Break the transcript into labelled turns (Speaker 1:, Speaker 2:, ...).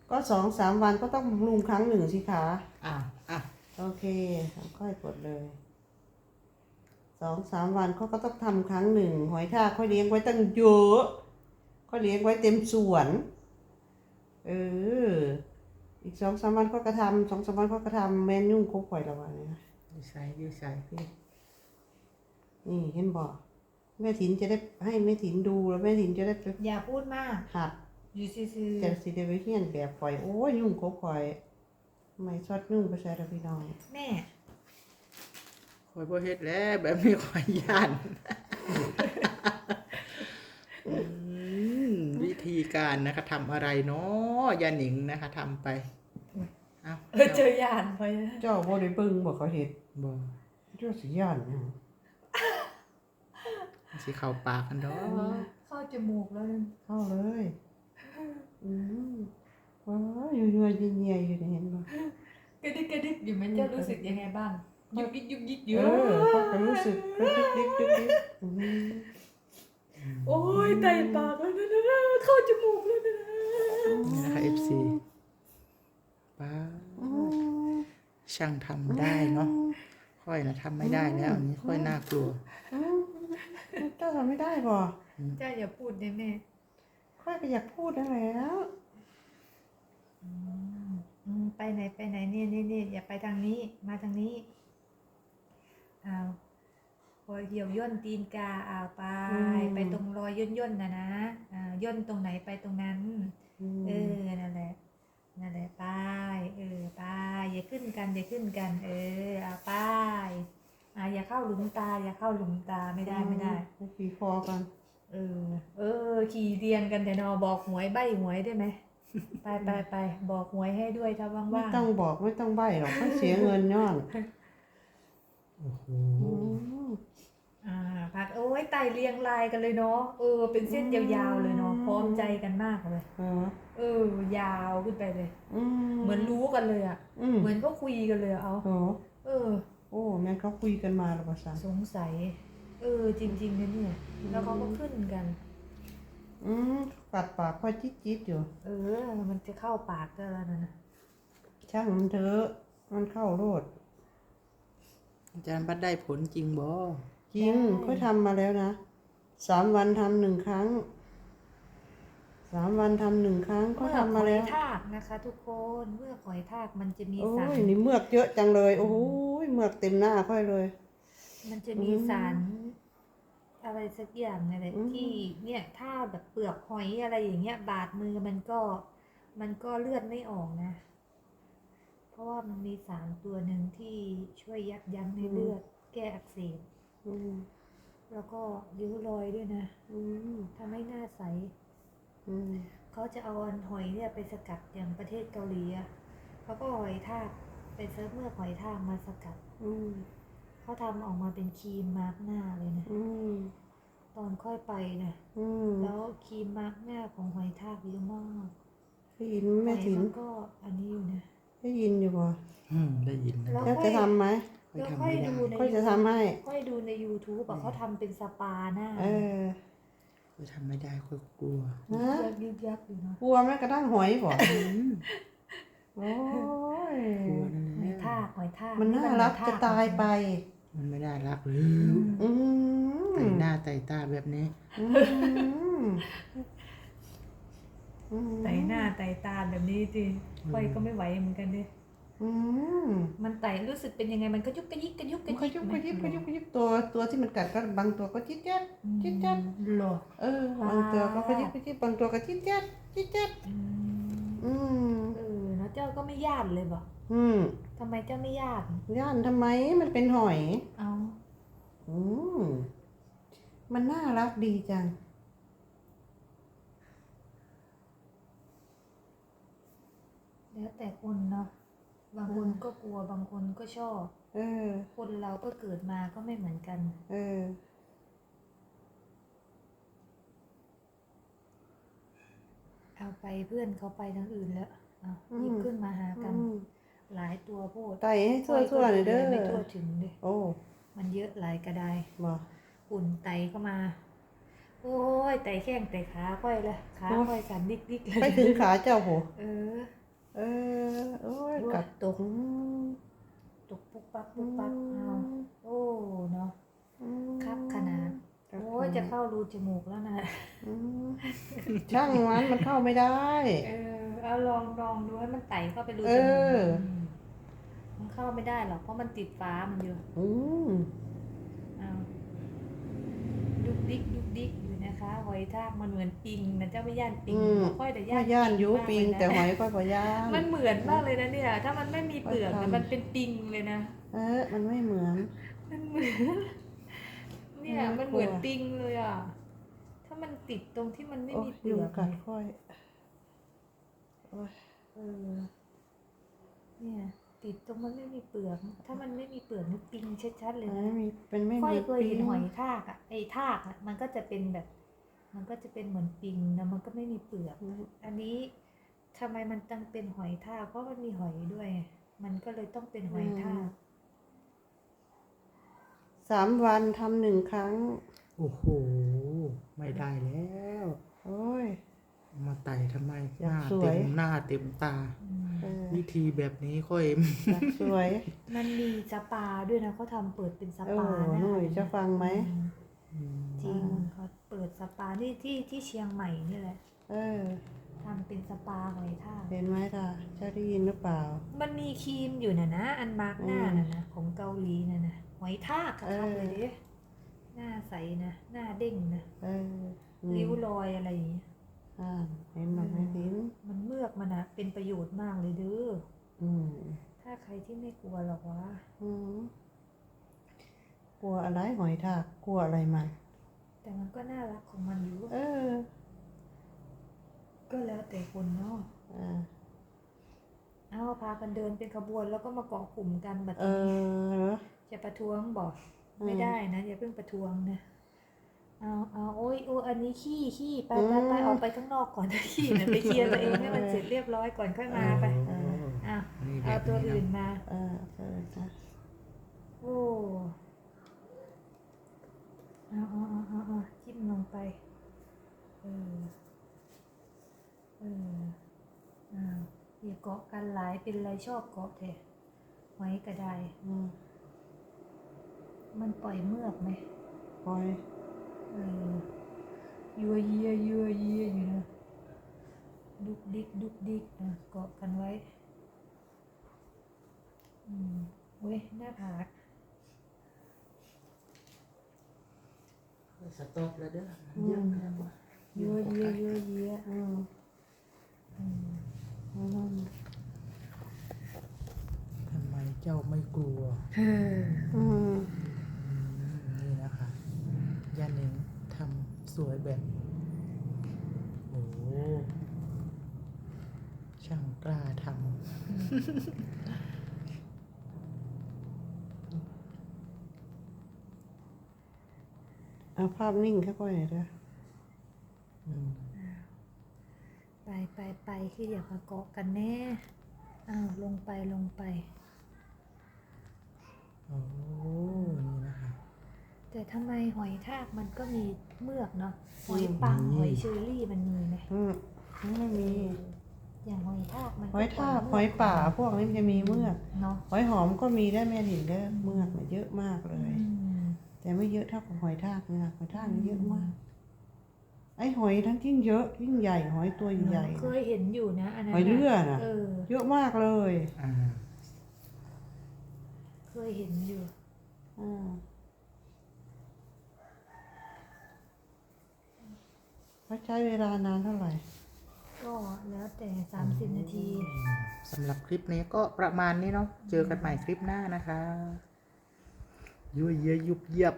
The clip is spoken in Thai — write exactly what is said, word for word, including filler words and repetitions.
Speaker 1: ก็สองสามวันก็ต้องบำรุงครั้งหนึ่งสิคะ
Speaker 2: อ่ะอ่ะ
Speaker 1: โอเคค่อยกดเลยสองสามวันเขาก็ต้องทำครั้งหนึ่งหอยทากเขาเลี้ยงไว้ตั้งเยอะเขาเลี้ยงไว้เต็มสวนเอออีกสองสามวันเขาก็ทำสองสามวันเขาก็ทำแมนยุ่งครบข่อยละวันนี้นะ
Speaker 2: ดีใส่ดีใส่พี่
Speaker 1: นี่เห็นบอกแม่ถินจะได้ให้แม่ถินดูแล้วแม่ถินจะได้ไป
Speaker 3: อย่าพูดมาก
Speaker 1: หัด
Speaker 3: อยู่ซื่อ
Speaker 1: จะสิได้ไปเฮียนแบบข่อยโอ้ยยุ่งครบข่อยทำไมชอดยุ่งไปใส่ละพี่น้อง
Speaker 3: ๆแม่
Speaker 2: คอยบ่เฮ็ดแล้วแบบนี้คอยย่านอืมวิธีการนะคะทำอะไรเนาะยาหนิงนะคะทำไปเอา
Speaker 3: เออเจอยานไปนะ
Speaker 1: เจ้าบ่ได้เบิ่งบ่เขาเฮ็ด
Speaker 2: บ่
Speaker 1: เจ้าสิย่านหยัง
Speaker 2: สิเข้าปากกันดอก
Speaker 3: เข้าจมูกแล้วนึง
Speaker 1: เข้าเลยอืมว้าวอยู่ๆเยียๆอยู่นี่เห็นบ่
Speaker 3: กระดิกกระดิกอยู่ไหมเจ้ารู้สึกยังไงบ้างยุกยิกยุกยิกเย
Speaker 1: เอ
Speaker 3: อะ
Speaker 1: อเขาก็รู้สึกกระดิกดิกดิกดิกอืม
Speaker 3: โอ้ยไตปากแล้วนะนะเข้าจมูกแล้วนะ
Speaker 2: นี่นะคะ เอฟ ซี ป้า
Speaker 1: อืม
Speaker 2: ช่างทำได้เนาะค่อยนะทำไม่ได้แล้วอันนี้ค่อยน่ากลัว
Speaker 1: อืมเจ้าทำไม่ได้บ่
Speaker 3: เจ้าอย่าพูดนะแม่
Speaker 1: ค่อยก็อยากพูดนั่นแหละ
Speaker 3: อืมอืมไปไหนไปไหนเนี่ยเนี่ยเนี่ยอย่าไปทางนี้มาทางนี้เอาพอเหี่ยวย่นตีนกาเอาไปไปตรงรอยย่นย่นนะนะอ่าย่นตรงไหนไปตรงนั้น
Speaker 1: อืม
Speaker 3: เออ นั่นแหละ นั่นแหละป้ายเออป้ายอย่าขึ้นกัน อย่าขึ้นกัน เออเอาป้ายอ่าอย่าเข้าหลุมตา อย่าเข้าหลุมตา ไม่ได้ ไม่ได้
Speaker 1: ไปขี่คอกัน
Speaker 3: เออ เออ ขี่เรียงกันแต่นอบอกหวยใบหวยได้ไหม ไปไปไปบอกหวยให้ด้วยถ้าว่าง
Speaker 1: ไม่
Speaker 3: ๆ
Speaker 1: ต้องบอกไม่ต้องใบ้หรอกไม่เสียเงินย้อน
Speaker 2: โอ้โห
Speaker 1: อืม
Speaker 3: อ่าพักโอ้ยไต่เรียงรายกันเลยเนาะ เออ เป็นเส้นยาวๆเลยเนาะ พร้อมใจกันมากเลย
Speaker 1: เออ
Speaker 3: เออ ยาวขึ้นไปเลย
Speaker 1: อืม
Speaker 3: เหมือนรู้กันเลยอ่ะ
Speaker 1: อืม
Speaker 3: เหมือนก็คุยกันเลยอะเอา
Speaker 1: โอ้
Speaker 3: เออ
Speaker 1: โอ้แม่นเขาคุยกันมาแล้วภาษา
Speaker 3: สงสัย เออ จริงๆนะเนี่ย แล้วเขาก็ขึ้นกัน
Speaker 1: อืมกัดปากค่อยจิ๊ดจิ๊ดอยู่
Speaker 3: เออ มันจะเข้าปากก็แล้วนะ
Speaker 1: ช่างมันเถอะมันเข้าโลด
Speaker 2: อาจารย์บัดได้ผลจริงบ่
Speaker 1: จริงค่อยทำมาแล้วนะสามวันทำหนึ่งครั้งสามวันทำหนึ่งครั้งก็
Speaker 3: เมื่อ
Speaker 1: ทำ
Speaker 3: ห
Speaker 1: มา
Speaker 3: อย
Speaker 1: แล้ว
Speaker 3: ทากนะคะ ทุกคน เมื่อหอยทากมันจะมี
Speaker 1: โอ้
Speaker 3: สาร
Speaker 1: ยนี่เมือกเยอะจังเลยโอ้ยเมือกเต็มหน้าค่อยเลย
Speaker 3: มันจะมีสาร อะไรสักอย่างเนี่ยแหละ
Speaker 1: อืม
Speaker 3: ที่เนี่ยถ้าแบบเปลือกหอยอะไรอย่างเงี้ย บาดมือมันก็ มันก็เลือดไม่ออกนะ เพราะว่ามันมีสารตัวหนึ่งที่ช่วยยับยั้งในเลือด แก้อักเสบ
Speaker 1: อืม
Speaker 3: แล้วก็ริ้วรอยด้วยนะ
Speaker 1: อืม
Speaker 3: ทำให้หน้าใส
Speaker 1: อืม
Speaker 3: เขาจะเอาอันหอยเนี่ยไปสกัดอย่างประเทศเกาหลีอะเขาก็หอยทากไปเซิร์ฟเมื่อหอยทากมาสกัด
Speaker 1: อืม
Speaker 3: เขาทำออกมาเป็นครีมมาร์กหน้าเลยนะ
Speaker 1: อืม
Speaker 3: ตอนค่อยไปนะ
Speaker 1: อืม
Speaker 3: แล้วครีมมาร์กหน้าของหอยทากเยอะมาก
Speaker 1: ได้ยิน
Speaker 3: ห
Speaker 1: แม่
Speaker 3: อย
Speaker 1: ถิน
Speaker 3: มันก็อันนี้อยู่นะ
Speaker 1: ได้ยินอยู่บ่
Speaker 2: อืมได้ยินนะ
Speaker 3: แล้ว
Speaker 1: แล้วจะทำไหม
Speaker 2: ค่อย
Speaker 3: แล้ว
Speaker 2: ทำ
Speaker 3: ค่อย
Speaker 2: ไม่ได้
Speaker 3: ดูใน
Speaker 1: ค่อยจะทำให้
Speaker 3: ค่อยดูใน YouTube อะเขาทำเป็นสปาหน้า
Speaker 1: เออ
Speaker 2: ค่อยทำไม่ได้ค่อยกลัว
Speaker 1: นะ
Speaker 3: ยักยึกยักอยู่เนาะ
Speaker 1: กลัวแม่กระทั่งหอยบ่
Speaker 2: อืม
Speaker 1: โอ้ย
Speaker 2: กลัวนั่น
Speaker 3: ห
Speaker 2: แห
Speaker 3: อย
Speaker 2: ละ
Speaker 3: ทากหอยทาก
Speaker 1: มันน่ารักจะตายไป
Speaker 2: มันไม่ได้รักหรือ
Speaker 1: อืม
Speaker 2: ไต่หน้าไต่ตาแบบนี้
Speaker 1: อืมอืม
Speaker 3: ไต่หน้าไต่ตาแบบนี้สิค่อยก็ไม่ไหวเหมือนกันดิ
Speaker 1: อืม
Speaker 3: มันไต่รู้สึกเป็นยังไงมันก็ยุกกระยิกกระยุกก
Speaker 1: มั
Speaker 3: ระ
Speaker 1: นก็
Speaker 3: ยิก
Speaker 1: ยุบ
Speaker 3: ไหม
Speaker 1: ก็ยิบก็ยุบก็ยิบตัวตัวที่มันกัดก็บางตัวก็จิ๊ดแจ๊ดจิ๊ดแจ๊ด
Speaker 3: หรอ
Speaker 1: เออบางตัวก็ก็ยิบก็ยิบบางตัวก็จิ๊ดแจ๊ดจิ๊ดแจ๊ด
Speaker 3: อืม
Speaker 1: อืม
Speaker 3: เออแล้วเจ้าก็ไม่ย่านเลยบอก
Speaker 1: อืม
Speaker 3: ทำไมเจ้าไม่ย่าน
Speaker 1: ย่านทำไมมันเป็นหอย
Speaker 3: เอา
Speaker 1: อืมมันน่ารักดีจัง
Speaker 3: แล้วแต่คนเนาะบางคนก็กลัวบางคนก็ชอบ
Speaker 1: เออ
Speaker 3: คนเราก็เกิดมาก็ไม่เหมือนกัน
Speaker 1: เออ
Speaker 3: เอาไปเพื่อนเขาไปทางอื่นแล้วเอาหยิบขึ้นมาหากัน
Speaker 1: อืม
Speaker 3: หลายตัวโพด
Speaker 1: ไต่ให้ทั่วทั่วๆหน่อยเด้อ
Speaker 3: ไม่ทั่วถึงเลย
Speaker 1: โอ้
Speaker 3: มันเยอะหลายกระได
Speaker 1: บ่
Speaker 3: อุ่นไตเข้ามา โอ้ยไตแข้งไตขาค่อยเลยขาค่อยสั่นดิกดิกๆเลย
Speaker 1: ไปถึงขาเจ้าโห
Speaker 3: เออ
Speaker 1: เออโอ้ย
Speaker 3: โอ้ย
Speaker 1: กัด
Speaker 3: ตก
Speaker 1: อืม
Speaker 3: ตกปุ๊บปั๊บปุ๊บปั๊บเอาโอ้เนาะ
Speaker 1: อืม
Speaker 3: ครับขนาด
Speaker 1: ครับ
Speaker 3: โอ้ยจะเข้ารูจมูกแล้วนะ
Speaker 1: อืมช่างมันมันเข้าไม่ได้
Speaker 3: เออเอาลองลองดูให้มันไต่เข้าไปรู
Speaker 1: เอ
Speaker 3: จมูก
Speaker 1: อ
Speaker 3: มมันเข้าไม่ได้หรอกเพราะมันติดฟ้ามันอยู่
Speaker 1: อืม
Speaker 3: เอาดุกดิกดุกดิกอยู่นะคะหอยทากมันเหมือนปิงนะเจ้าไม่ย่านปิง
Speaker 1: อืม
Speaker 3: บ่ค่อยแต่
Speaker 1: ย่า
Speaker 3: ย่าน
Speaker 1: ย่านอยู
Speaker 3: มาก
Speaker 1: ปิง
Speaker 3: เลยนะ
Speaker 1: แต่หอยก็บ่ย่าน
Speaker 3: มันเหมือนมากเลยนะเนี่ย ถ้ามันไม่มีเปลือก
Speaker 1: มัน
Speaker 3: นะ
Speaker 1: ทำ
Speaker 3: มันเป็นปิงเลยนะ
Speaker 1: เออ มันไม่เหมือน
Speaker 3: มันเหมือน เนี่ย
Speaker 1: ไม่
Speaker 3: มันเหมือน
Speaker 1: กลัว
Speaker 3: ปิงเลยอ่ะ ถ้ามันติดตรงที่มันไม่
Speaker 1: โอ้
Speaker 3: มี
Speaker 1: ย
Speaker 3: เปลื
Speaker 1: ยุง
Speaker 3: อก
Speaker 1: กัดค่อยโอ้ย
Speaker 3: เออ เนี่ย ติดตรงมันไม่มีเปลือก ถ้ามันไม่มีเปลือกนี่ปิงชัดๆเลย
Speaker 1: มัน
Speaker 3: นะ
Speaker 1: ไม่มีเป็นไม่
Speaker 3: ค่อย
Speaker 1: มี
Speaker 3: เคย
Speaker 1: ปิ
Speaker 3: เห็น
Speaker 1: ง
Speaker 3: หอยทากอ่ะไอ้ทากอ่ะมันก็จะเป็นแบบ มันก็จะเป็นเหมือนปิงนะมันก็ไม่มีเปลือก อันนี้ทำไมมันต้องเป็นหอยทากเพราะมันมีหอยด้วยไงมันก็เลยต้องเป็นหอยทาก
Speaker 1: สามวันทำหนึ่งครั้ง
Speaker 2: โอ้โห ไม่ได้แล้ว
Speaker 1: โอ้ย
Speaker 2: มาไต่ทำไม
Speaker 1: อ
Speaker 2: ห
Speaker 1: ยาก
Speaker 2: น้า
Speaker 1: สวย
Speaker 2: เต็มหน้าเต็มตา
Speaker 3: อืม
Speaker 1: เออ
Speaker 2: วิธีแบบนี้ค่อย
Speaker 1: อยากสวย
Speaker 3: มันมีสปาด้วยนะเขาทำเปิดเป็นส
Speaker 1: โอ้
Speaker 3: ปานะ
Speaker 1: หนุ่ยจะฟังไหม
Speaker 3: อืมจริงเขาเปิดสปาที่ที่ที่เชียงใหม่นี่แหละ
Speaker 1: เออ
Speaker 3: ทำเป็นสปาหอยทาก
Speaker 1: เห็นไหมล่ะจะได้ยินหรือเปล่า
Speaker 3: มันมีครีมอยู่นะนะอันมาร์กหน้า
Speaker 1: อืม
Speaker 3: น่ะนะของเกาหลีน่ะนะหอยทากครับ
Speaker 1: เออ
Speaker 3: เลยดิหน้าใสนะหน้าเด้งนะ
Speaker 1: เอออืม
Speaker 3: ริ้วรอยอะไรอย่างเงี้ย
Speaker 1: อ่าเห็นไหมไม่เห็น
Speaker 3: มันเมือกมันนะเป็นประโยชน์มากเลยเด้อ
Speaker 1: อืม
Speaker 3: ถ้าใครที่ไม่กลัวหรอกวะ
Speaker 1: อืมกลัวอะไรหอยทากกลัวอะไรมัน
Speaker 3: แต่มันก็น่ารักของมันอยู่
Speaker 1: เออ
Speaker 3: ก็แล้วแต่คนเนาะ
Speaker 1: อ่า
Speaker 3: เอาพากันเดินเป็นขบวนแล้วก็มาเกาะกลุ่มกันแบบ
Speaker 1: เอ
Speaker 3: นี้
Speaker 1: อเหรอ
Speaker 3: จะประท้วงบอก
Speaker 1: อืม
Speaker 3: ไม่ได้นะอย่าเพิ่งประท้วงนะเอาเอาโอ้ยโอ้ยอันนี้ขี้ขี้ไปไปไปออกไปข้างนอกก่อนนะขี้นะไปเคลียร์ตัวเองให้มันเสร็จเรียบร้อยก่อนค่อยมาไป
Speaker 2: โอ้
Speaker 3: อ่ะ
Speaker 2: นี่แบ
Speaker 3: เอา
Speaker 2: บ
Speaker 3: ตัว
Speaker 2: นี้
Speaker 3: อื่น
Speaker 2: นะ
Speaker 3: มา
Speaker 1: เออเออนะ
Speaker 3: โอ้เอาเอาเอาเอาเอาจิ้มลงไปเออเอออ่าอย่าเกาะกันหลายเป็นไรชอบเกาะแท้หอยกระได
Speaker 1: อืม
Speaker 3: มันปล่อยเมือกไหม
Speaker 1: ปล่อย
Speaker 3: เออยัวเยียยัวเยียอยู่นะดุกดิกดุกดิกนะเกาะกันไว้อืมเว้ยหน้าผาก
Speaker 2: สต็อปแล้วเด้อ
Speaker 1: อื
Speaker 2: เยอะ
Speaker 1: ม
Speaker 2: แล้วว่ะ
Speaker 3: ยัวเยียยัวเยีย
Speaker 1: อืม
Speaker 3: อืม
Speaker 1: อืม
Speaker 2: ทำไมเจ้าไม่กลัว
Speaker 3: เฮ้อ
Speaker 1: อืม
Speaker 2: อืมนี่นะคะย่าหนิงทำสวยแบบ โอ้โหช่างกล้าท
Speaker 1: เอาภาพนิ่งแค่ค่อยหน่อยเด้อ
Speaker 2: ำอืม
Speaker 3: ไปไปไปคืออย่ามาเกาะกันแน่อ้าวลงไปลงไป
Speaker 2: โอ้นี่นะคะ
Speaker 3: แต่ทำไมหอยทากมันก็มีเมือกเนาะหอยปังหอยเชอรี่มันมีไหม
Speaker 1: อืมไม่มี
Speaker 3: อย่างหอยทากมัน
Speaker 1: หอยทากหอยป่าพวกนี้มันจะมีเมือก
Speaker 3: เนาะ
Speaker 1: หอยหอมก็มีได้แม่ถิ่นเด้อเมือกมันเยอะมากเลย
Speaker 3: อืม
Speaker 1: แต่ไม่เยอะเท่ากับหอยทากนะหอยทากนี่เยอะมาก ไอ้หอยทั้งยิ่งเยอะยิ่งใหญ่หอยตัวใหญ่
Speaker 3: เคยเห็นอยู่นะอันนั้น
Speaker 1: หอยเลือดน่ะ
Speaker 3: เออ
Speaker 1: เยอะมากเลย
Speaker 2: อ่า
Speaker 3: เคยเห็นอยู่
Speaker 1: อ่าเขาใช้เวลานานเท่าไหร่
Speaker 3: ก็แล้วแต่สามสิบนาที
Speaker 2: สำหรับคลิปนี้ก็ประมาณนี้เนาะเจอกันใหม่คลิปหน้านะคะยั่วเยียยุบเยียบ